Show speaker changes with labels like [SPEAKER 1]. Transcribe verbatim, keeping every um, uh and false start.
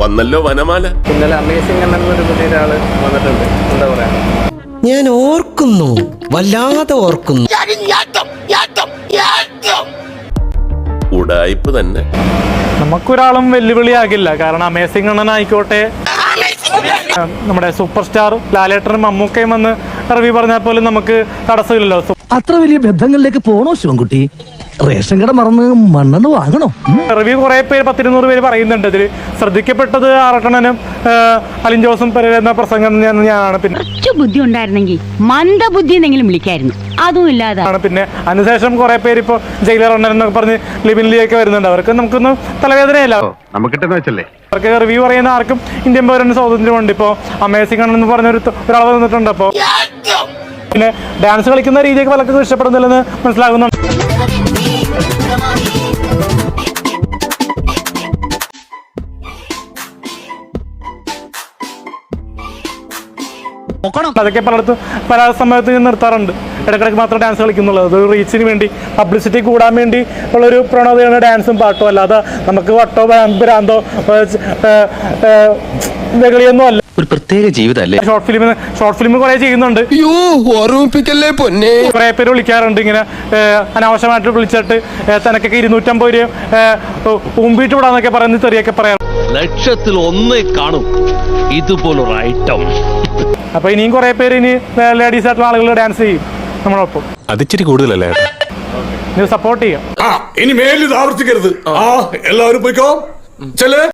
[SPEAKER 1] വന്നല്ലോ വനമാല.
[SPEAKER 2] ഇന്നലെ അമേസിംഗ് എന്നൊരു പുതിയ ഒരാള് വന്നിട്ടുണ്ട്. എന്താ പറയാ,
[SPEAKER 3] ഞാൻ ഓർക്കുന്നു, വല്ലാതെ ഓർക്കുന്നു.
[SPEAKER 1] ഉടായ്പ് തന്നെ.
[SPEAKER 4] നമുക്കൊരാളും വെല്ലുവിളിയാകില്ല. കാരണം അമേസിംഗ് അണ്ണനായിക്കോട്ടെ, നമ്മുടെ സൂപ്പർ സ്റ്റാർ ലാലേട്ടനും മമ്മൂക്കയും വന്ന് റിവ്യൂ പറഞ്ഞാൽ പോലും നമുക്ക് തടസ്സമില്ലല്ലോ.
[SPEAKER 5] അത്ര വലിയ ബന്ധങ്ങളിലേക്ക് പോണോ ശിവൻകുട്ടി? റേഷൻ കട മറന്ന് മണ്ണെണ്ണ വാങ്ങണോ?
[SPEAKER 4] റിവ്യൂ കുറെ പേര് പത്തിരുന്നൂറ് പേര് പറയുന്നുണ്ട്. ഇതിൽ ശ്രദ്ധിക്കപ്പെട്ടത് ആറട്ടണനും അലിൻ ജോസും എന്ന പ്രസംഗം ഞാനാണ്. പിന്നെ
[SPEAKER 6] ബുദ്ധി ഉണ്ടായിരുന്നെങ്കിൽ മന്ദബുദ്ധി എന്നെങ്കിലും വിളിക്കായിരുന്നു, അതും ഇല്ലാതാണ്.
[SPEAKER 4] പിന്നെ അതിനുശേഷം കുറെ പേര് ഇപ്പൊ ജയിലർ അണ്ണൻ എന്നൊക്കെ പറഞ്ഞ് ലിബിനിലേക്ക് വരുന്നുണ്ട്. അവർക്ക് നമുക്കൊന്നും തലവേദനയല്ല. അവർക്ക് റിവ്യൂ പറയുന്ന ആർക്കും ഇന്ത്യൻ പൗരന് സ്വാതന്ത്ര്യമുണ്ട്. ഇപ്പൊ അമേസിംഗ് ആണെന്ന് പറഞ്ഞൊരു ഒരാൾ വന്നിട്ടുണ്ട്. അപ്പൊ പിന്നെ ഡാൻസ് കളിക്കുന്ന രീതിയൊക്കെ പലർക്കും ഇഷ്ടപ്പെടുന്നില്ലെന്ന് മനസ്സിലാകുന്നുണ്ട്. അതൊക്കെ പലയിടത്തും പല സമയത്ത് നിർത്താറുണ്ട്. ഇടയ്ക്കിടയ്ക്ക് മാത്രം ഡാൻസ് കളിക്കുന്നുള്ളൂ. അത് റീച്ചിന് വേണ്ടി, പബ്ലിസിറ്റി കൂടാൻ വേണ്ടി ഉള്ളൊരു പ്രവണതയാണ് ഡാൻസും പാട്ടും. അല്ലാതെ നമുക്ക് വട്ടോ ഭ്രാന്തോ വെകളിയൊന്നും അല്ല.
[SPEAKER 7] ഒരു പ്രത്യേക ജീവിതമല്ലേ.
[SPEAKER 4] ഷോർട്ട് ഫിലിം ഷോർട്ട് ഫിലിം കുറെ ചെയ്യുന്നുണ്ട്. കുറെ പേര് വിളിക്കാറുണ്ട് ഇങ്ങനെ അനാവശ്യമായിട്ട് വിളിച്ചിട്ട് തനക്കൊക്കെ ഇരുന്നൂറ്റമ്പത് രൂപ ഉമ്പിട്ട് വിടാന്നൊക്കെ പറയുന്ന തെറിയൊക്കെ പറയാം.
[SPEAKER 7] ലക്ഷത്തിൽ ഒന്നേ കാണും ഇതുപോലൊരു ഐറ്റം.
[SPEAKER 4] അപ്പൊ ഇനിയും കുറെ പേര് ഇനി ലേഡീസ് ആയിട്ടുള്ള ആളുകൾ ഡാൻസ് ചെയ്യും നമ്മളൊപ്പം.
[SPEAKER 8] അതിച്ചിരി കൂടുതലല്ലേ?
[SPEAKER 4] നിങ്ങൾ സപ്പോർട്ട് ചെയ്യാം.
[SPEAKER 9] ഇനി മേലിൽ ആവർത്തിക്കരുത്. എല്ലാവരും പോയിക്കോ.